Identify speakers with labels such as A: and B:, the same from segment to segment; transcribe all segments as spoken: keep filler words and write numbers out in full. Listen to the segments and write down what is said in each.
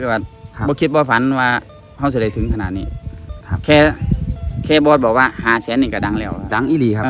A: คือว่าบ่คิดบ่ฝันว่าเฮาสิได้ถึงขนาดนี้แค่แค่บอสบอกว่าหาแสนนี่ก็ดังแล้ว
B: ดังอีหลีครับ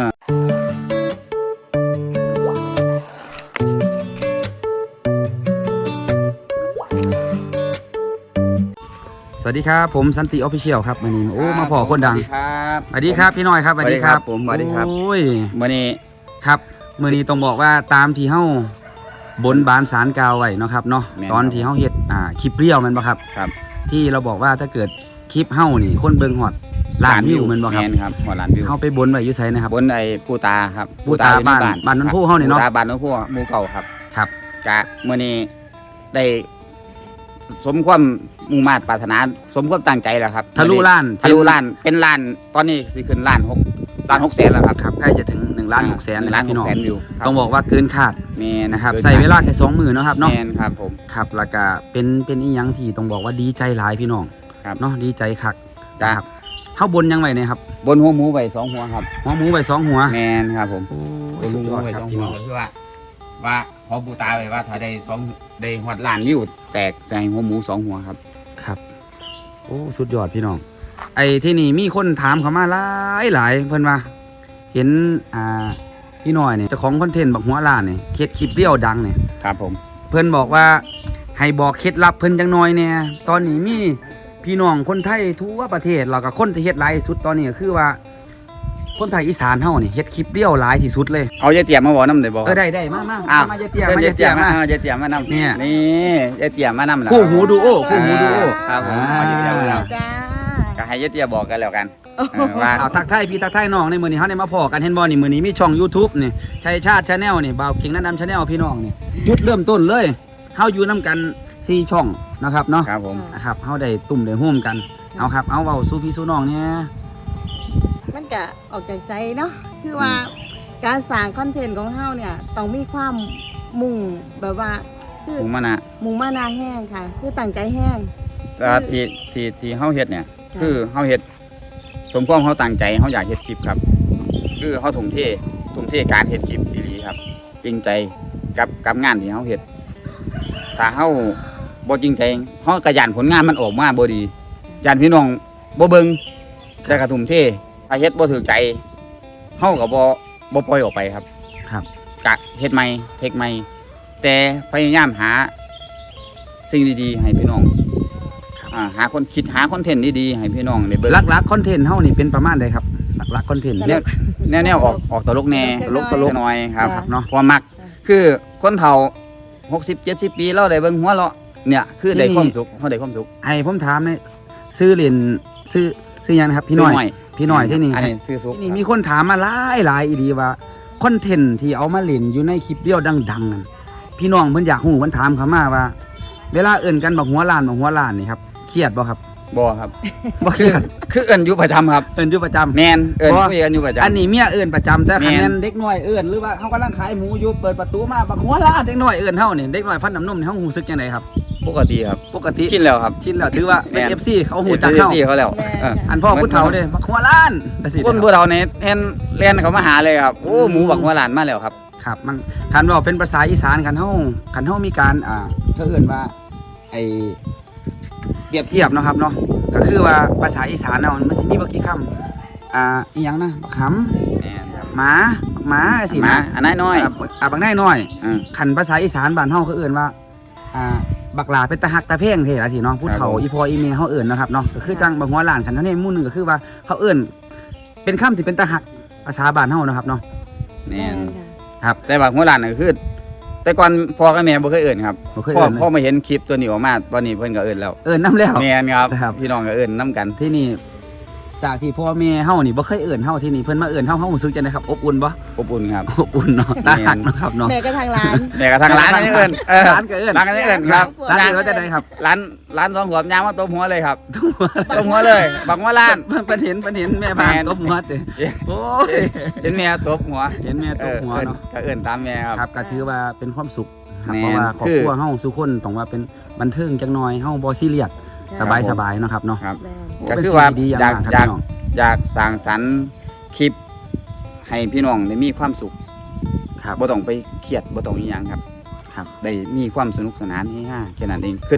B: สวัสดีครับผมสันติออฟฟิเชียลครับวันนี้โอ้มาพอคนดังสวัสดีครับพี่น้อยครับสวัสดีครับ
A: ผมสวัสดีครับ
B: โอ้ย
A: มื้อนี้
B: ครับมื้อนี้ต้องบอกว่าตามที่เฮาบนบานศาลกล่าวไว้เนาะครับเนาะตอนที่เฮาเฮ็ดอ่าคลิปเรียวแม่นบ่ครับ
A: ครับ
B: ที่เราบอกว่าถ้าเกิดคลิปเฮานี่คนเบิ่งฮอดล้านวิวแม่นบ่ครับ
A: แม่นครับฮอดล้านวิว
B: เฮาไปบนไว้อยู่ไสนะครับ
A: บนไอ้ปู่ตาครับ
B: ปู่ตาบ้านบ้านนนผู้เฮานี่เนาะ
A: ปู่ตาบ้านนนผู้หมู่เก่าครับ
B: ครับ
A: กะมื้อนี้ได้สมความมุ่งมา่ปรารถนาสมความตั้งใจแล้วครับ
B: ทะลุล้าน
A: ทะลุล้านเป็นล้านตอนนี้สิขึ้นล้านหกล้านหกแสนแล้วครับ
B: ครับใกล้จะถึงหนึ่งล้านหกแสนแล้วพี่น้องต้องบอกว่าเกินคาด
A: แม่น
B: นะครับใส่เวลาแค่สองมื้อเนาะครับเนาะ
A: แม่นครับผม
B: ครับแล้วก็เป็นเป็นอีหยังที่ต้องบอกว่าดีใจหลายพี่น้องเนาะดีใจคักนะครับเฮาบนยังไงเนี่ยครับ
A: บนหัวหมูไว้สองหัวครับ
B: หัวหมูไว้สองหัว
A: แม่นครับผม
B: บนหัวหมูไว้สองหัว
A: คือว่าว่าขอปู่ตาไว้ว่าถ้าได้สองได้ฮอดล้านวิวแตกใส่หัวหมูสองหัวครับ
B: ครับโอ้สุดยอดพี่น้องไอ้ที่นี่มีคนถามเขามาหลายหลายเพิ่นว่าเห็นอ่าพี่น้อยเนี่ยเจ้าของคอนเทนต์บักหัวล้านเนี่ยเคล็ดคลิปเรียวดังเนี่ย
A: ครับผม
B: เพิ่นบอกว่าให้บอกเคล็ดลับเพิ่นจังน้อยเนี่ยตอนนี้มีพี่น้องคนไทยทั่วประเทศแล้วก็คนที่เฮ็ดหลายที่สุดตอนนี้ก็คือว่าคนภาคอีสานเฮานี่เฮ็ดคลิปเรียวหลายที่สุดเลย
A: เอายายเตี่ยมาบ่นำได้บ่
B: เออได้ได้มามา
A: ม
B: ายายเตี่ยมายายเตี่ยม
A: ายายเตี่ยมานำนี่นี่ยายเตี่ยมานำล่ะ
B: คู่หูดูโอคู่หูดูโอ
A: ครับผมเอายายเตี่ยมาแล้วจ้าก็ให้ยายเตี่ยบอกกันแล้วกัน
B: ว่าเอาทักทายพี่ทักทายน้องในมื้อนี้เฮาได้มาพอกันเห็นบ่นี่มื้อนี้มีช่อง YouTube นี่ชัยชาติ Channel นี่บ่าวเก่งแนะนำ Channel พี่น้องนี่จุดเริ่มต้นเลยเฮาอยู่นํกันสี่ช่องนะครับเนาะ
A: ครับผม
B: นะครับเฮาได้ตุ่มได้ร่วมกันเอาครับเอาเว้าสู่พี่สู่น้องเนี่ย
C: มันก็ออกจากใจเนาะคือว่าการสร้างคอนเทนต์ของเฮาเนี่ยต้องมีความมุ่งแบบว่า
A: คือมุ่งมานะ
C: มุ่งมานะแห้งค่ะคือตั้งใจแห้ง
A: แต่ที่ที่ที่เฮาเฮ็ดเนี่ยคือเฮาเฮ็ดสมความเฮาตั้งใจเฮาอยากเฮ็ดคลิปครับคือเฮาทุ่มเททุ่มเทการเฮ็ดคลิปอีหลีครับจริงใจกับกับงานที่เฮาเฮ็ดถ้าเฮาบ่จริงใจเฮาก็ย่านผลงานมันออกมาบ่ดีย่านพี่น้องบ่เบิ่งแต่ก็ทุ่มเทถ้าเฮ็ดบ่ถูกใจเฮาก็บ่บ่ปล่อยออกไปครับ
B: ครับ
A: กะเฮ็ดใหม่เทคใหม่แต่พยายามหาสิ่งดีๆให้พี่น้องอ่าหาคนคิดหาคอนเทนต์ดีๆให้พี่น้องได้เบิ่ง
B: หลักๆคอนเทนต์เฮานี่เป็นประมาณใดครับหลักๆคอนเทนต์
A: แนวแนวออกออกตลกแน่
B: ตลกตลก
A: น้อยครับเนาะความมักคือคนเฒ่าหกสิบ เจ็ดสิบปีเราได้เบิ่งหัวเราะเนี่ยคือได้ความสุขเฮาได้ความสุข
B: ให้ผมถามนี่ซื้อเหรียญซื้อซื้อหยังนะครับพี่น้อยพี่น้อยที่นี่
A: อันนี้ซื้อสุข
B: นี่มีคนถามมาหลายหลายอีดีว่าคอนเทนต์ที่เอามาเล่นอยู่ในคลิปเดียวดังๆนั่นพี่น้องเพิ่นอยากฮู้เพิ่นถามเข้ามาว่าเวลาเอิ้นกันบักหัวล้านบักหัวล้านนี่ครับเครียดบ่ครับ
A: บ่ครับ
B: บ่เครียด
A: คือเอิ้นอยู่ประจำครับ
B: เอิ้นอยู่ประจำ
A: แม่นเอิ้นคุยกันอยู่ประจำ
B: อันนี้เมียเอิ้นประจำแต่คันแม่นเด็กน้อยเอิ้นหรือว่าเฮากำลังขายหมูอยู่เปิดประตูมาบักหัวล้านเด็กน้อยเอิ้นเฮานี่เด็กน้อยฟันน้ำนมนี่เฮารู้สึกจังไดครับ
A: ปกติครับ
B: ปกติ
A: ชินแล้วครับ
B: ชินแล้วถือว่าเป็น เอฟ ซี เขาฮู้จักเฮา
A: เอฟ ซี เขาแล้ว
B: อันพ่อผู้เฒ่าเด้บักหัวล้าน
A: คนผู้เฒ่านี่เห็นเรียนเขามาหาเลยครับโอ้หมูบักหัวล้านมาแล้วครับ
B: ครับมันคันว่าเป็นภาษาอีสานคันเฮาคันเฮามีการอ่าเขาเอิ้นว่าไอ้เปรียบเทียบเนาะครับเนาะก็คือว่าภาษาอีสานเนาะมันสิมีบ่กี่คำอ่าอีหยังนะบักหำ
A: แม่นครับ
B: หมาบักหมาสิ
A: นะอันน้อย
B: อ่าบักน้อยๆคันภาษาอีสานบ้านเฮาเขาเอิ้นว่าอ่าบักหลาเป็นตาหักตาเพ่งเท่ละสิเนาะผู้เฒ่าอีพออีเมเฮาเอิ้นนะครับเนาะก็คือจังบักหัวล้านคันเท่านี้หมู่นึงก็คือว่าเขาเอิ้นเป็นคำที่เป็นตาหักภาษาบ้านเฮานะครับเนาะ
A: แม่นครับแต่บักหัวล้านก็คือแต่ก่อนพ่อกับแม่บ่เคยเอิ้นครับพ่อพ่อมาเห็นคลิปตัวนี้ออกมาตอนนี้เพิ่นก็เอิ้นแล้ว
B: เอิ้นนำแล้ว
A: แม่นครับพี่น้องก็เอิ้นนำกัน
B: ที่นี่จากที่พ่อแม่เฮานี่บ่เคยเอิ้นเฮาที่นี่เพิ่นมาเอิ้นเฮาเฮารู้สึกจังได๋ครับอบอุ่นบ่
A: อบอุ่นครับ
B: อบอุ่นเนาะตาหักเนาะครับเนาะ
C: แม่ก็ทางร้าน
A: แม่ก็ทางร้านเอิ้นเออ
B: ร้านก็เอิ้น
A: ร้านก็เอิ้นครับ
B: ร้านก็จะได้ครับ
A: ร้านร้านสองหัวยางมาตบหัวเลยครับตบหัวเลยบักหัวล้าน
B: เพิ่นเห็นเพิ่นเห็นแม่พาตบหัวติโอ้ย
A: เห็นแม่ตบหัว
B: เห็นแม่ตบหัวเนาะ
A: ก็เอิ้นตามแม่ครับ
B: ครับก็ถือว่าเป็นความสุขเพราะว่าครอบครัวเฮาทุกคนต้องว่าเป็นบันเทิงจังหน่อยเฮาบ่ซีเรียสสบายๆเนาะครับเนาะ
A: ก็คือว่าอยากอยากอยากสร้างสรรค์คลิปให้พี่น้องได้มีความสุข
B: ครับ
A: บ่ต้องไปเครียดบ่ต้องอีหยังครับครับได้มีความสนุกสนานเฮฮาแค่นั้นเองคือ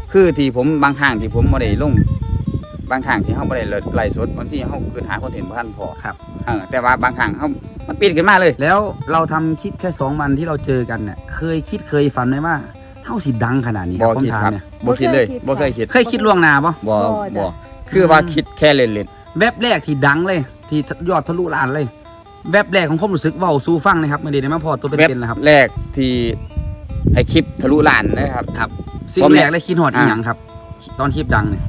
A: คือที่ผมบางครั้งที่ผมบ่ได้ลงบางครั้งที่เฮาบ่ได้ไลฟ์สดบางทีเฮาคือหาคอนเทนต์บ่ทันพอ
B: ครับ
A: เออแต่ว่าบางครั้งเฮามันปิดขึ้นมาเลย
B: แล้วเราทำคลิปแค่สองวันที่เราเจอกันเนี่ยเคยคิดเคยฝันไหมว่าเฮาสิดังขนาดนี้ค
A: บ่
B: รับผม
A: คิด
B: ถาม
A: ครับ
B: เนี่ย
A: บ่คิดเลยบ่เคยคิด
B: เคยคิดล่วงหน้าปะ
A: บ่
C: บ่
A: บ่
C: จ้ะ
A: คือว่าคิดแค่เล่น
B: แวบแรกที่ดังเลย ที่ยอดทะลุล้านเลยแวบแรกของความรู้สึกเว้าสู่ฟังนะครับไม่ได้ได้มาพอตัว
A: ๆเว็บ
B: เป็นๆแล้วครับ
A: แรกที่ไอ้คลิปทะลุล้านนะครับ
B: ครับสิ่ง
A: ผม
B: แร
A: เนี่ย
B: กเลยคิดฮอดอีหยังครับ ตอนคลิปดังเนี่ย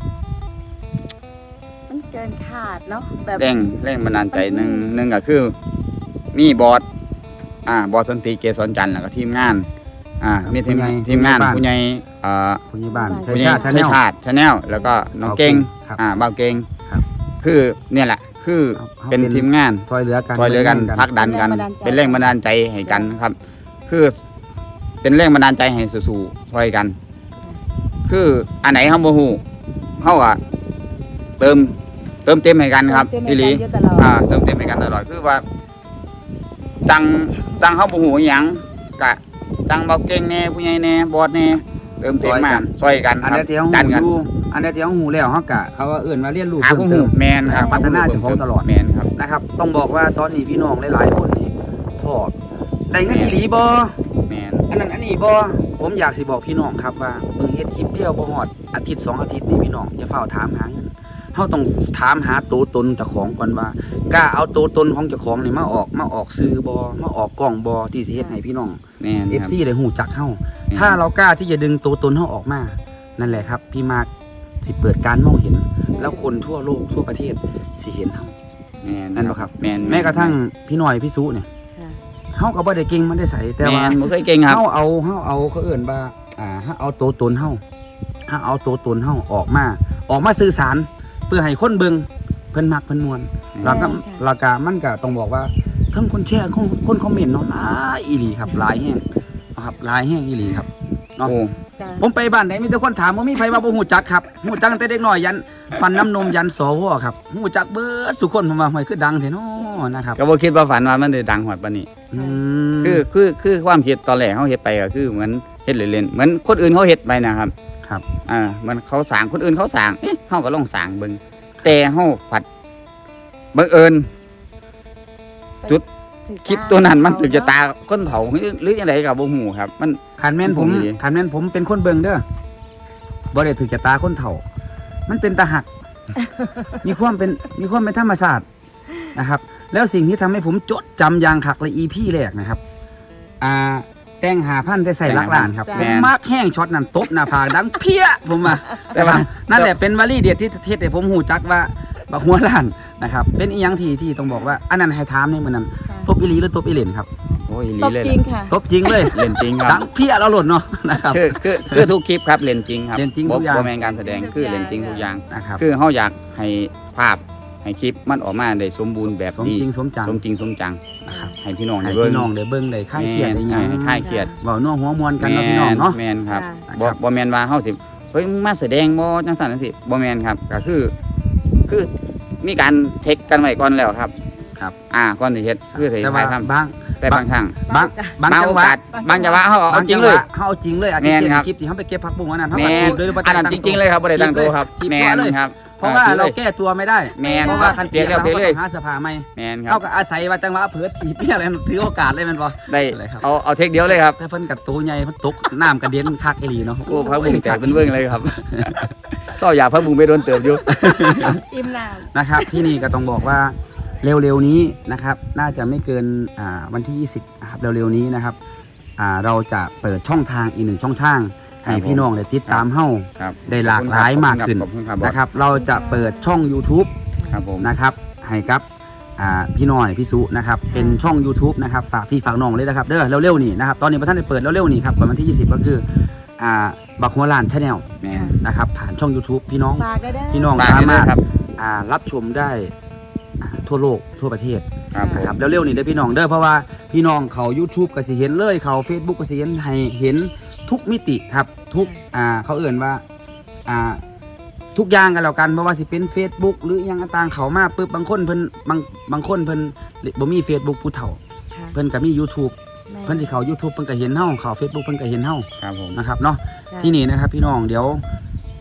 C: มันเกินคาดเนาะแบบ
A: แรงแรงบันดาลใจหนึ่งหนึ่งก็คือ มีบอสอ่าบอสสันติเกษรจันทร์แล้วก็ทีมงานอ่ามีทีมทีมงานผู้ใหญ่อ่า
B: ผู้ใหญ่บ้านชัย
A: ผู้ใหญ่
B: ชาติชาแนล
A: ชาติชาแนลแล้วก็น้องเก่ง
B: ครับ
A: อ่าบ่าวเก่ง
B: ครับ
A: คือเนี่ยแหละคือ
B: เอาเอา
A: เป็น
B: เป็น
A: ทีมงาน
B: ซอยเหลือกัน
A: คอยเหลือกัน
B: ป็
A: พักดันกัน เป็นแรงบันดาลใจให้กันครับ คือเป็นแรงบันดาลใจให้สู้ๆซอยกัน คืออันไหนเฮาบ่ฮู้เฮาอ่ะเติมเติมเต็มให้กันครับ
C: เติม
A: อี
C: เต็ม
A: หลี
C: ให้กันอยู่ตลอด
A: อ่าเติมเต็มให้กันตลอดคือว่าจังจังเฮาบ่ฮู้อิหยังกะจังเบาเก่งแน่ผู้ใหญ่แน่บอสแน่เติมเต็มมาซอยกัน
B: อัน
A: ครั
B: นี้
A: บ
B: ที่เขา
A: ดัน
B: หู
A: กัน
B: อยู่อันนี้ที่เขาหูแล้วเขากะเขาว่าเอื่นมาเรียนรู้
A: หา
B: เพิ่
A: ผู้
B: มเติ
A: ฮู้
B: ม
A: แมนครับ
B: พัฒนาเจ้าของตลอด
A: แมนครับ
B: นะครับต้องบอกว่าตอนนี้พี่น้องหลายๆคนนี่ถอดได้เงินอีหลีบ่
A: แมน
B: อันนั้นอันนี้บ่ผมอยากสิบอกพี่น้องครับว่าเบิ่งเฮ็ดคลิปเดียวบ่ฮอดอาทิตย์สองอาทิตย์นี่พี่น้องอย่าเฝ้าถามหาเงินเฮาต้องถามหาตัวตนเจ้าของก่อนว่ากล้าเอาตัวตนของเจ้าของนี่มาออกมาออกสื่อบ่มาออกกล้องบ่ที่สิเฮ็ดให้พี่น้อง
A: แมน
B: เอฟ
A: ครับ
B: ซี ได้ฮู้จักเฮา
A: แม่น
B: ถ้าเรากล้าที่จะดึงตัวตนเฮาออกมา นั่นแหละครับ พี่มาร์คสิเปิดการมองเห็น แล้วคนทั่วโลกทั่วประเทศสิเห็นเฮา
A: แมน
B: นั่นบ่ครับ
A: แมน
B: แม้กระทั่งพี่หน่อยพี่สุเนี่ย
C: ค่ะ
B: เฮาก็บ่ได้เก่งมันได้ใส่แต่
A: แม
B: ว่าน
A: บ่เคยเก่งครับ
B: เฮาเอาเฮาเอาเขาเอิ้นว่าอ่าเฮาเอาตัวตนเฮาเฮาเอาตัวตนเฮาออกมา ออกมาสื่อสาร เพื่อให้คนเบิ่งเพิ่นมักเพิ่นม่วนแล้วก็แล้วก็มันก็ต้องบอกว่าทั้งคนแชร์คนคนคอมเมนต์เนาะหลายอีหลีครับหลายแฮงนะครับหลายแฮงอีหลีครับ เนาะ
A: โอ้
C: จ้ะ
B: ผมไปบ้านไหนมีแต่คนถามว่ามีไผว่าบ่ฮู้จักครับฮู้จักตั้งแต่เด็กน้อยยันฟันน้ำนมยันสวครับฮู้จักเบิดสุคนผมว่าห้อยคือดังแท้เนาะนะครับ
A: ก็บ่คิดว่าฝันว่ามันจะดังหอดปานนี้
B: อืม
A: คือคือคือความคิดตอนแรกเขาเฮ็ดไปก็คือเหมือนเฮ็ดเล่นๆเหมือนคนอื่นเขาเฮ็ดไปนะครับ
B: ครับ
A: อ่ามันเขาสร้างคนอื่นเขาสร้างเอ๊ะเฮาก็ลองสร้างเบิ่งแต่เฮาผัดบังเอิญ จุด
C: ถึง
A: คลิปตัวนั้นมันถึงจะตาคนเผาหรือหรือจังไดก็บ่ฮู้ครับ มัน
B: คันแม่นผม
A: ผมดี
B: คันแม่นผมเป็นคนเบิ่งเด้อบ่ได้ถือจะตาคนเฒ่า มันเป็นตาหัก มีความเป็นมีความเป็นธรรมชาตินะครับ แล้วสิ่งที่ทำให้ผมจดจำอย่างคักเลย อี พี แรกนะครับ อ่าแต่งหาพันได้ใส่ลักหลานครับผมมักแห้งช็อตนั้นตบหน้าผากดังเพี้ยผมว่า
A: แต่ว่า
B: นั่นแหละเป็นวลีเด็ดที่เทศให้ผมหูจักว่าบักหัวล้านนะครับ เป็นอีหยังที่ที่ต้องบอกว่าอันนั้นให้ถามในมื้อนั้น
C: ค่ะ
B: ตบอีหลีหรือตบอีเหลนครับ
A: โอ้ยอีหลี
C: ตบ
A: เลย
C: จริงค่ะ
B: ตบจริงเลย
A: เล่นจริงค
B: ดั
A: รับ
B: งเพี้ยแล้วหล่นเนาะนะครับ
A: คือคือคือทุกคลิปครับเล่นจริงครับ
B: เล่นจริง
A: บ่
B: ทุกอย่าง
A: บ่แม่นการแสดงคือเล่นจริงทุกอย่าง
B: นะครับ
A: คือเฮาอยากให้ภาพให้คลิปมันออกมาได้สมบูรณ์แบบ
B: สม
A: ดี
B: จริงสมจัง
A: สมจริงสมจัง
B: นะครับ
A: ให้พี่น้อง
B: ให้
A: ได้เบิ่ง
B: พี่น้องได้เบิ่งได้คลายเครียดได้หยัง
A: ให้คลายเครียด
B: เว้านัวหัวมวนกันเนาะพี่น้องเนาะ
A: แม่นครับ
C: ค่ะ
A: บ่บ่แม่นว่าเฮาสิเฮ้ยมึงมาแสดงบ่จังซั่นจังซี่บ่แม่นครับก็คือ คือมีการเทคกันไว้ก่อนแล้วครับ
B: ครับ
A: อ่าก่อนสิเฮ็ดคือสิ
B: แต่ว่า
A: ถ่ายทำ
B: บาง
A: แต่บางครั้ง
B: บางบาง
A: บาง
B: จั
A: โอง
B: หวะ
A: กาสบางจังหวะเฮาเอา
B: บาง
A: จริ
B: จั
A: ง
B: งห
A: เล
B: วะ
A: ย
B: เฮาเอาจริงเลยอาทิตย์
A: แม่น
B: เช่น
A: ครับ
B: คลิปที่เฮาไปเก็บผักบุ้งอันนั้นเฮา
A: แม่
B: ก็
A: น
B: ถีบเลยหรือบ่
A: อันนั้นจริง ๆเลยครับบ่ได้ตั้งตัวครับ
B: ถีบ
A: แม่
B: ตัวน เลย
A: ครับ
B: เพราะว่า
A: ออ
B: เราแก้ตัวไม่ได้
A: แม่น
B: เพราะว่าคันเปียก
A: แล้
B: แล้ว ว
A: เปีย
B: เขา
A: ก
B: ก็
A: เลย
B: หาเสภาใหม่
A: แม่นครั
B: เขา
A: บ
B: ก็อาศัยว่าจังหวะเผลอถีบเปียอะไรถือโอกาสเลยแมันบ่
A: ได้
B: อะไรครับ
A: เอาเอาเทคเดียวเลยครับ
B: แต่เพิ่นกับตัวใหญ่เพิ่นตกน้ำกระเด็นคักอีหลีเนาะ
A: โอ้พระบุงแตกเป็นเบิ่งเลยครับซ้อยาพระบุงไปโดนเติบอยู่
C: อิ่มน้
B: นะครับที่นี่ก็ต้องบอกว่าเร็วๆนี้นะครับน่าจะไม่เกินอ่าวันที่ยี่สิบนะครับเร็วๆนี้นะครับอ่าเราจะเปิดช่องทางอีกหนึ่งช่องทางให้พี่น้องได้ติดตามเฮ้า
A: ครับ
B: ได้หลากหลายมากขึ้น
A: ขอบคุณครับ
B: นะครับเราจะเปิดช่อง YouTube
A: ครับผม
B: นะครับให้กับอ่าพี่น้อยพี่สุนะครับเป็นช่อง YouTube นะครับฝากพี่ฝากน้องเลยนะครับเด้อเร็วๆนี่นะครับตอนนี้พระท่านได้เปิดเร็วๆนี่ครับวันที่ยี่สิบก็คืออ่าบักหัวลานชาแนล
A: แม่น
B: นะครับผ่านช่อง YouTube พี่น้อง
C: ำฝากได้เด้อ
B: พี่น้อง
A: ฝาก
B: สา
A: ให้ด้
B: มาว รถ
A: ยครับ
B: อ่ารับชมได้อ่าทั่วโลกทั่วประเทศ
A: ครับผม
B: นะครับเร็วๆนี่เด้อพี่น้องเด้อเพราะว่าพี่น้องเขา YouTube ก็สิเห็นเลยเขา Facebook ก็สิเห็นให้เห็นทุกมิติครับทุกอ่าเขาเอ่นว่าอ่าทุกอย่างกันแล้วกันเพราะว่าสิเป็น Facebook หรืออหยังต่างๆเขามาปึ๊บบางคนเพิ่นบางบางคนเพิ่นบ่มี Facebook ผู้เฒ่า
C: ค่ะ
B: เพิ่นก็มี YouTube
C: แม่
B: เพิ่นสิเขา YouTube เพิ่นก็เห็นเฮาเขา Facebook เพิ่นก็เห็นเฮา
A: ครับผม
B: นะครับเนาะ
C: จ้ะ
B: ที่นี่นะครับพี่น้องเดี๋ยว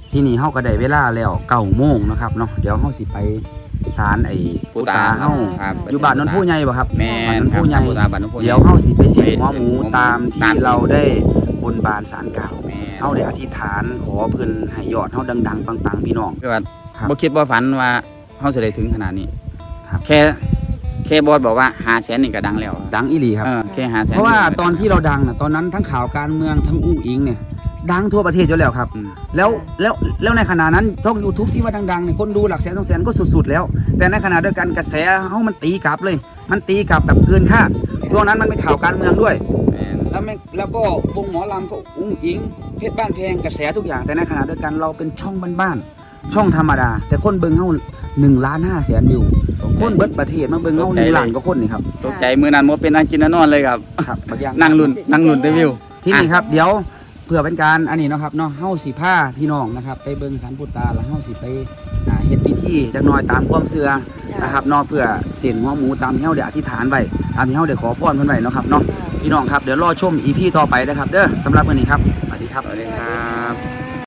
B: ที่นี่เฮาก็ได้เวลาแล้วเก้าโมงนะครับเนาะเดี๋ยวเฮาสิไปศาลไอ้
A: ปู่
B: ปู่
A: ตา
B: ตาเฮา
A: ครับ
B: อยู่บ้านนนท์ผู้ใหญ่บ่ครับ
A: แม่
B: บ้าน
A: น
B: นนท์
A: ครับ
B: ผู้ใหญ่
A: ปู่ตาบ้านนนท์ผู้ใหญ่
B: เดี๋ยวเฮาสิไปเสี่ยงหัวหมู
A: ไป
B: ตาม
A: ตา
B: ที่
A: ม
B: เราได้บนบานศาลกล่าว
A: แม่น
B: เฮาได้อธิษฐานขอเพิ่นให้ยอดเฮาดังๆปังๆพี่น้อง
A: คือว่า
B: ครับ
A: บ่คิดบ่ฝันว่าเฮาสิได้ถึงขนาดนี้
B: ครับ
A: แค่แค่บอสบอกว่าห้าแสนนี่ก็ดังแล้ว
B: ดังอีหลีครับ
A: เออแค่ห้าแสน
B: เพราะว่าตอนที่เราดังน่ะตอนนั้นทั้งข่าวการเมืองทั้งอุ้งอิงเนี่ยดังทั่วประเทศอยู่แล้วครับ
A: อืม
B: แล้วแล้วแล้วในขณะนั้นช่อง YouTube ที่ว่าดังๆเนี่ยคนดูหลักแสนสองแสนก็สุดๆแล้ว แต่ในขณะเดียวกันกระแสเฮามันตีกลับเลย มันตีกลับแบบเกินคาดช่วงนั้นมันเป็นข่าวการเมืองด้วย
A: แม่น
B: แล้วไม่แล้วก็วงหมอลำก็อุ้งอิงเพชรบ้านแพงกระแสทุกอย่างแต่ในขณะเดียวกันเราเป็นช่องบ้านๆช่องธรรมดา แต่คนเบิ่งเฮาหนึ่งล้านห้าแสนวิวคนเบิดประเทศมาเบิ่งเฮาหนึ่งล้านกว่าคนนี่ครับ
A: ตกใจมื้อนั้นบ่เป็นอันกินอันนอนเลยครับ
B: ครับบางอย่าง
A: นั่งลุ้นนั่งลุ้นได้วิว
B: ที่นี่ครับเดี๋ยวเพื่อเป็นการอันนี้เนาะครับเนาะเฮาสิพาพี่น้องนะครับไปเบิ่งศาลปู่ตาแล้วเฮาสิไปอ่าเฮ็ดพิธีจักหน่อยตามความเชื่อนะครับเนาะเพื่อเส้นหัวหมูตามที่เฮาได้อธิษฐานไว้ตามที่เฮาได้ขอพรเพิ่นไว้เนาะครับเนาะพี่น้องครับเดี๋ยวรอชม อี พี ต่อไปนะครับเด้อสำหรับมื้อนี้ครับสวัสดีครับ
A: สวัสดีครับ